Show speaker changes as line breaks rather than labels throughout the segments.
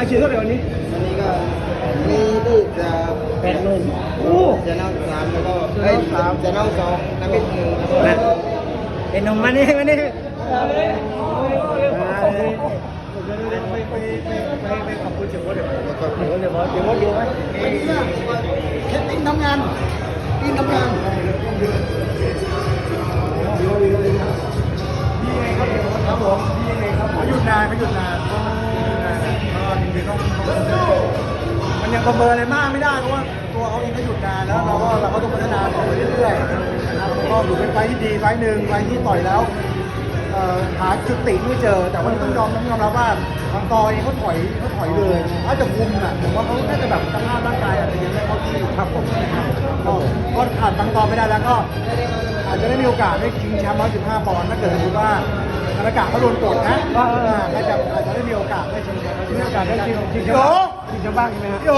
อาชีพเท่าไหร่วันนี้
วันนี้ก็มีลูกจะ
80,000โอ้
จะนั่งสามแล้วก็จะนั่งสองน้ำพริกหนึ่ง
เป็นนมมานี่มานี่ไปขอบคุณเจ้าพ่อเดี๋ยวดูไหม
แค่ติ้งทำงานติ้งทำงาน
ครับผมพี่ยังไงครับเขาหยุดนานก็จริงๆต้องมันยังประเมินอะไรมากไม่ได้เพราะว่าตัวเขาเองก็หยุดนานแล้วเราก็ต้องพัฒนาต่อไปเรื่อยๆนะครับก็ถือเป็นไฟที่ดีไฟหนึ่งไฟที่ต่อยแล้วหาจุดติไม่เจอแต่ว่าต้องยอมรับว่าบางตอเองเขาถอยเลยถ้าจะคุมอ่ะผมว่าเขาน่าจะแบบสภาพร่างกายอาจจะยังไม่เข้าที่ครับผมก็ขาดบางตอไม่ได้แล้วก็อาจจะได้มีโอกาสได้ชิงแชมป์115 ปอนด์ถ้าเกิดสมมติว่าธนากาศเขาโดนกดนะอาจจะได้มีโอกาสได้ชิงแชมป์มีโอกาสได้ชิงแชมป์บ้างใช่ไหมฮะพี่โอ๋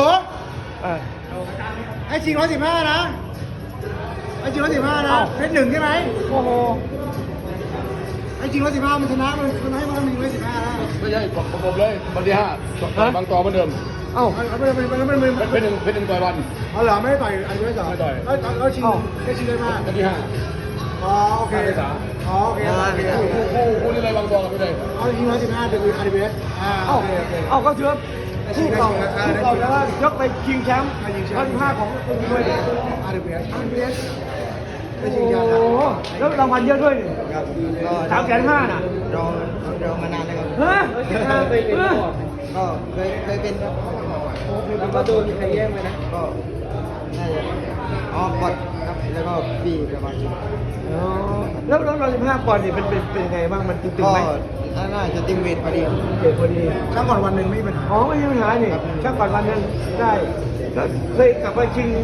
ให้ชิง115นะให้ชิง115นะเพชรหนึ่งใช่ไหมโอ้โหไอ้จริง115มันชนะมันให้มันมี115แล้ว
ไม่ใช่ผมเลยวันที่5บางตอเหมือนเดิม
เอ้ามันเป็น
เป็นต่อยวัน
เอาเหรอไม่ได้ต่อยอันนี้ไม่ต่อยแล้วชิงได้ชิงได้มาก
วันที่5
อ๋อโอเคอ๋อโอเค
คู่นี่เลยบางตอคู่เลย
เอาชิง115เป็นRDBSโอเคเอาก็เชื่อคู่เก่าแล้วยกไปชิงแชมป์115ของด้วยRDBSโอ้โหแล้วรางวัลเยอะด้วย350,000น่ะ
รอมานานแล้วครับ
ฮะ
ก็เคยเป็นครับ
แล้วก็โดนใครแย่งไปนะ
ก็น่าจะกดครับแล้วก็ปีประมาณนี้
แล้ว115 ปอนด์นี่เป็นยังไงบ้างมันตึงๆไหม
ก็น่าจะติมเวทพอดี
พอดีช่างก่อนวันหนึ่งไม่มีปัญหาอ๋อไม่มีปัญหานี่ช่างก่อนวันหนึ่งได้เคยกลับมาชิง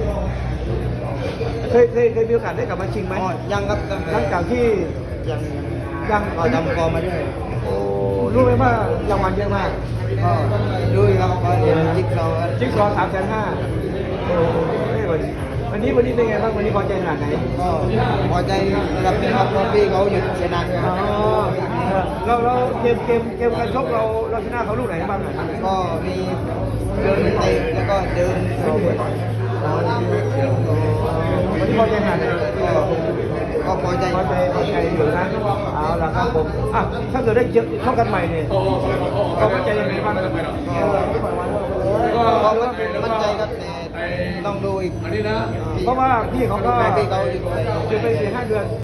เคยมีโอกาสได้กลับมาชิงไหม
ยังครับ
หลังจากที่ยัง
ก็ทำกองมาด้วย
โอ้รู้ไหมว่ารางวัลเยอะมาก
ก็ดูครับก็เรียนจิ๊กซอว์
350,000โอ้วันนี้เป็นไงบ้างวันนี้พอใจขนาดไหน
ก็พอใจระดับนึงครับเพราะพี่เขาหยุดเสียนานเลยครับ
เราเกมการชกเราชนะเขาลูกไหนบ้าง
ก็มีเดินเตะแล้วก็เดิน
วันนี้พอใจขนาดไหน
ก็พอใจ
อยู่นะเอาล่ะครับผมถ้าเกิดได้ชกกันใหม่เนี่ยก็มั่นใจยังไงบ้าง
ก็มั่นใจครับแต่ต้องดูอีก
อันนี้นะ
เพราะว่าพี่เขาก็
พี่เขา
จะไป4-5 เดือน